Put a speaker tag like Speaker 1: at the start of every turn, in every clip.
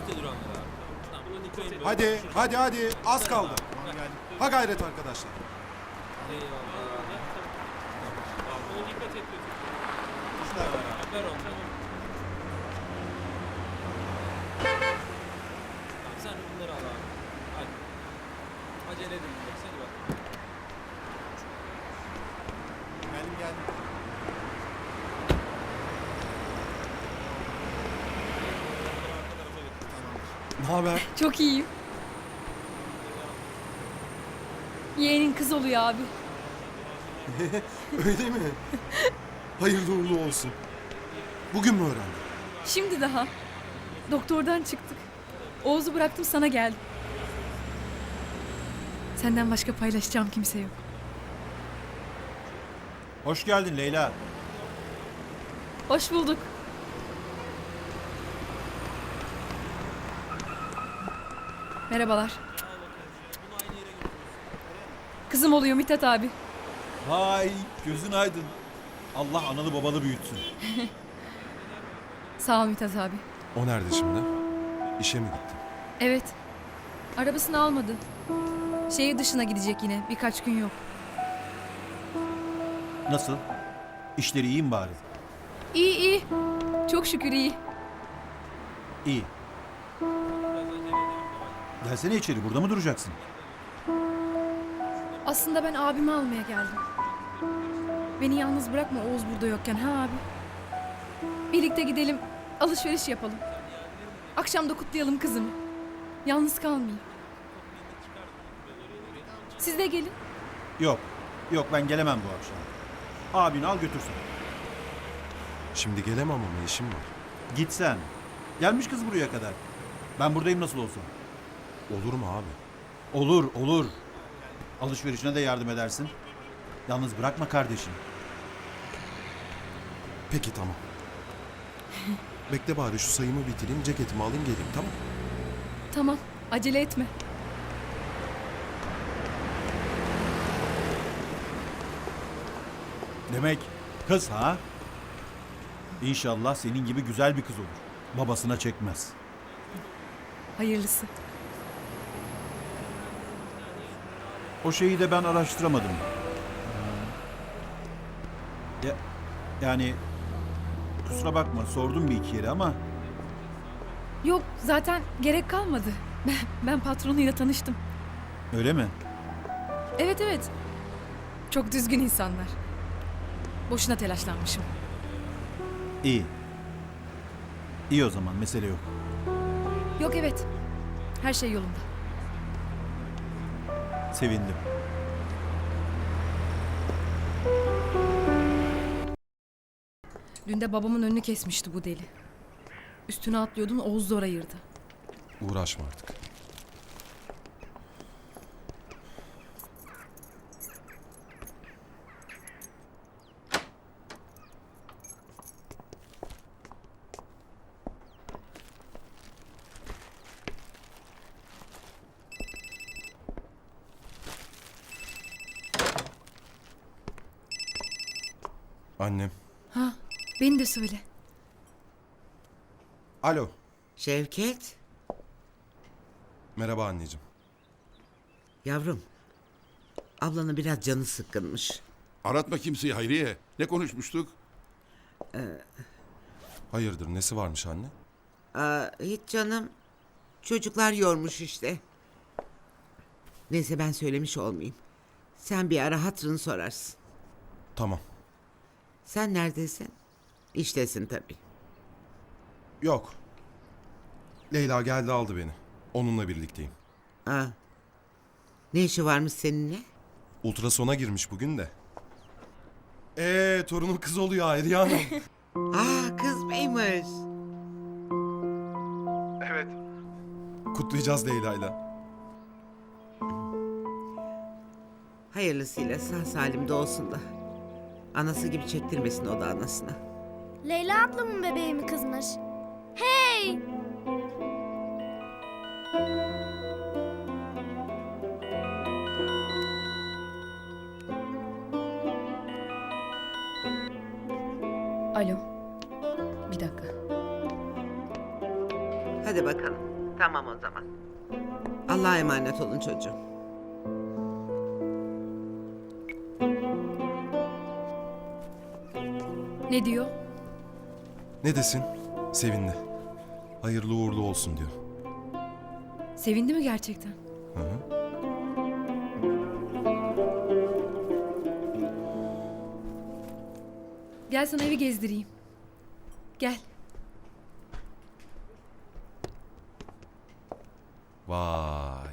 Speaker 1: Bekle duranlar abi. Tamam buna dikkat edin.
Speaker 2: Hadi, hadi, hadi. Az kaldı. Ha gayret arkadaşlar.
Speaker 1: Eyvallah. Buna dikkat et. Ver onu. Tamam sen bunları al abi. Hadi. Acele edin. Hadi bak.
Speaker 3: Geldim.
Speaker 2: Ne haber?
Speaker 4: Çok iyiyim. Yeğenin kız oluyor abi.
Speaker 2: Öyle mi? Hayırlı uğurlu olsun. Bugün mü öğrendin?
Speaker 4: Şimdi daha. Doktordan çıktık. Oğuz'u bıraktım sana geldim. Senden başka paylaşacağım kimse yok.
Speaker 3: Hoş geldin Leyla.
Speaker 4: Hoş bulduk. Merhabalar. Kızım oluyor Mithat abi.
Speaker 3: Vay gözün aydın. Allah analı babalı büyütsün.
Speaker 4: Sağ ol Mithat abi.
Speaker 2: O nerede şimdi? İşe mi gitti?
Speaker 4: Evet. Arabasını almadı. Şehir dışına gidecek yine. Birkaç gün yok.
Speaker 3: Nasıl? İşleri iyi mi bari?
Speaker 4: İyi iyi. Çok şükür iyi.
Speaker 3: İyi. Gelsene içeri, burada mı duracaksın?
Speaker 4: Aslında ben abimi almaya geldim. Beni yalnız bırakma Oğuz burada yokken ha abi. Birlikte gidelim, alışveriş yapalım. Akşam da kutlayalım kızımı. Yalnız kalmayayım. Siz de gelin.
Speaker 3: Yok, ben gelemem bu akşam. Abini al götürsün.
Speaker 2: Şimdi gelemem ama işim var.
Speaker 3: Git sen. Gelmiş kız buraya kadar. Ben buradayım nasıl olsa.
Speaker 2: Olur mu abi?
Speaker 3: Olur. Alışverişine de yardım edersin. Yalnız bırakma kardeşini.
Speaker 2: Peki tamam. Bekle bari şu sayımı bitireyim, ceketimi alayım geleyim tamam?
Speaker 4: Tamam, acele etme.
Speaker 3: Demek kız ha? İnşallah senin gibi güzel bir kız olur. Babasına çekmez.
Speaker 4: Hayırlısı.
Speaker 3: O şeyi de ben araştıramadım. Yani kusura bakma sordum bir iki yere ama
Speaker 4: Yok, zaten gerek kalmadı. Ben patronuyla tanıştım.
Speaker 3: öyle mi?
Speaker 4: Evet. Çok düzgün insanlar. Boşuna telaşlanmışım.
Speaker 3: İyi. İyi o zaman mesele yok.
Speaker 4: Yok evet. Her şey yolunda.
Speaker 3: Sevindim.
Speaker 4: Dün de babamın önünü kesmişti bu deli. Üstüne atlıyordun Oğuz zor ayırdı.
Speaker 2: Uğraşma artık. Annem.
Speaker 4: Ha, beni de söyle.
Speaker 2: Alo.
Speaker 5: Şevket,
Speaker 2: Merhaba anneciğim.
Speaker 5: yavrum. Ablanın biraz canı sıkkınmış.
Speaker 6: Aratma kimseyi Hayriye. Ne konuşmuştuk?
Speaker 2: Hayırdır nesi varmış anne?
Speaker 5: Hiç canım. Çocuklar yormuş işte. Neyse ben söylemiş olmayayım. Sen bir ara hatırını sorarsın.
Speaker 2: Tamam.
Speaker 5: Sen neredesin? İştesin tabii.
Speaker 2: Yok. Leyla geldi aldı beni. Onunla birlikteyim.
Speaker 5: Ne işi varmış seninle?
Speaker 2: Ultrasona girmiş bugün de. Torunun kız oluyor Hayriye Hanım.
Speaker 5: Kız mıymış?
Speaker 2: Evet. Kutlayacağız Leyla'yla.
Speaker 5: Hayırlısıyla sağ salim doğsun da. Anası gibi çektirmesin o da anasına.
Speaker 7: Leyla ablamın bebeği mi kızmış? Hey!
Speaker 4: Alo. Bir dakika.
Speaker 5: Hadi bakalım. Tamam o zaman. Allah'a emanet olun çocuğum.
Speaker 4: Ne diyor?
Speaker 2: Ne desin? Sevindi. Hayırlı uğurlu olsun diyor.
Speaker 4: Sevindi mi gerçekten?
Speaker 2: Hı hı.
Speaker 4: Gel sana evi gezdireyim. Gel.
Speaker 2: Vay.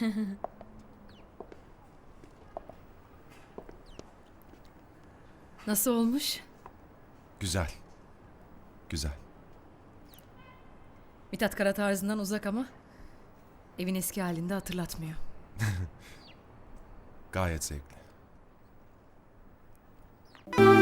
Speaker 4: Nasıl olmuş?
Speaker 2: Güzel. Güzel.
Speaker 4: Mithat Kara tarzından uzak ama evin eski halinde hatırlatmıyor.
Speaker 2: Gayet zevkli.